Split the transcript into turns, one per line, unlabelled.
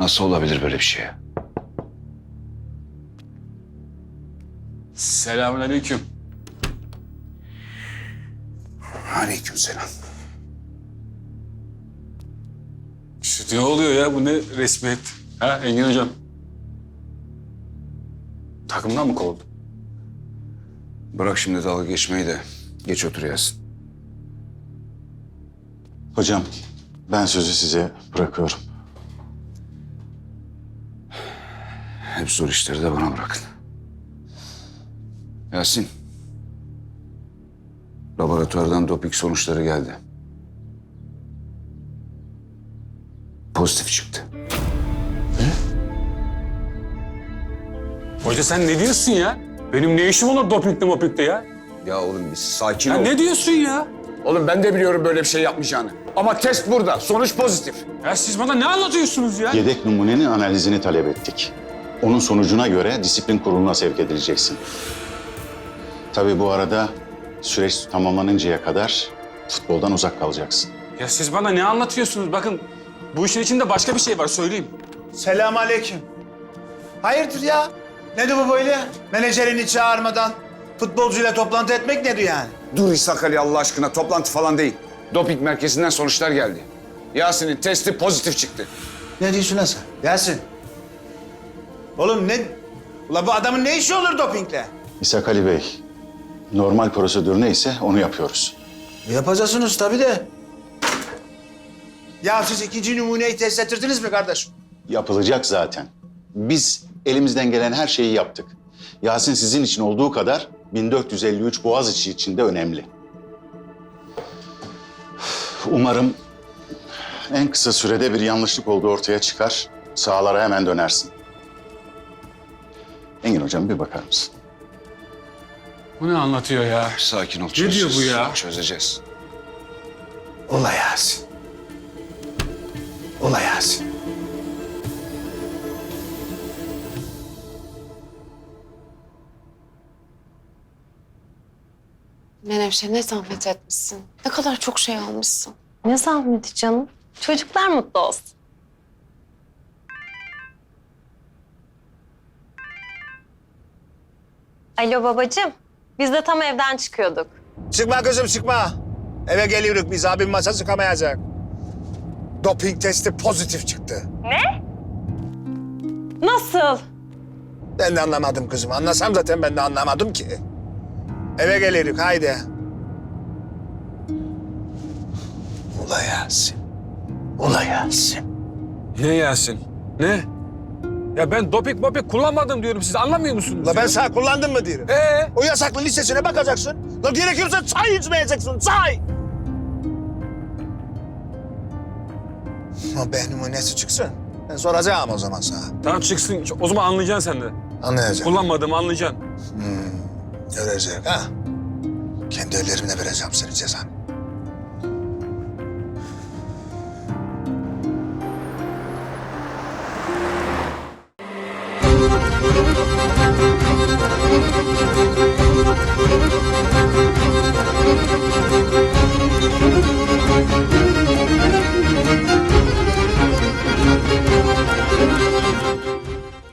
Nasıl olabilir böyle bir şey?
Selamünaleyküm.
Aleykümselam.
Ne oluyor ya? Bu ne resmiyet? Ha Engin hocam? Takımdan mı kovuldun?
Bırak şimdi dalga geçmeyi de geç otur Yasin.
Hocam, ben sözü size bırakıyorum.
Hep zor işleri de bana bırakın. Yasin. Laboratuvardan doping sonuçları geldi. Pozitif çıktı.
Hoca sen ne diyorsun ya? Benim ne işim olur dopingde mopingde ya?
Ya oğlum bir sakin
Ya
ol.
ne diyorsun ya?
Oğlum ben de biliyorum böyle bir şey yapmayacağını. Ama test burada. Sonuç pozitif.
Ya siz bana ne anlatıyorsunuz ya?
Yedek numunenin analizini talep ettik. Onun sonucuna göre disiplin kuruluna sevk edileceksin. Tabii bu arada süreç tamamlanıncaya kadar futboldan uzak kalacaksın.
Ya siz bana ne anlatıyorsunuz? Bakın bu işin içinde başka bir şey var söyleyeyim.
Selamünaleyküm. Hayırdır ya? Nedir bu böyle? Menajerini çağırmadan futbolcuyla toplantı etmek nedir yani?
Dur İshak Ali Allah aşkına. Toplantı falan değil. Doping merkezinden sonuçlar geldi. Yasin'in testi pozitif çıktı.
Ne diyorsun lan sen? Yasin. Oğlum ne? Ula bu adamın ne işi olur dopingle?
İshak Ali Bey, normal prosedür neyse onu yapıyoruz.
Yapacaksınız tabii de. Ya siz ikinci numuneyi test ettirdiniz mi kardeşim?
Yapılacak zaten. Biz elimizden gelen her şeyi yaptık. Yasin sizin için olduğu kadar 1453 Boğaziçi için de önemli. Umarım en kısa sürede bir yanlışlık olduğu ortaya çıkar. Sahalara hemen dönersin. Engin hocam bir bakar mısın?
Bu ne anlatıyor ya?
Sakin ol.
Ne diyor bu ya?
Çözeceğiz.
Ula Yasin. Ula Yasin.
Menevşe ne zahmet etmişsin. Ne kadar çok şey almışsın.
Ne zahmeti canım. Çocuklar mutlu olsun. Alo babacığım. Biz de tam evden çıkıyorduk.
Çıkma kızım çıkma. Eve geliyoruz biz abim masa çıkamayacak. Doping testi pozitif çıktı.
Nasıl?
Ben de anlamadım kızım. Anlasam zaten ben de anlamadım ki. Eve geliyoruz haydi. Ula Yasin. Ula Yasin.
Ne Yasin? Ne? Ya ben doping moping kullanmadım diyorum. Siz anlamıyor musunuz?
Ula ben
ya?
sana kullandım mı diyorum. O yasaklı listesine bakacaksın. La gerekirse çay içmeyeceksin, çay. Ama benim numunesi çıksın. Ben soracağım o zaman sana.
Tamam çıksın. O zaman anlayacaksın sen de.
Anlayacağım.
Kullanmadığımı anlayacaksın.
Görecek ha. Kendi ellerimle vereceğim senin cezanı.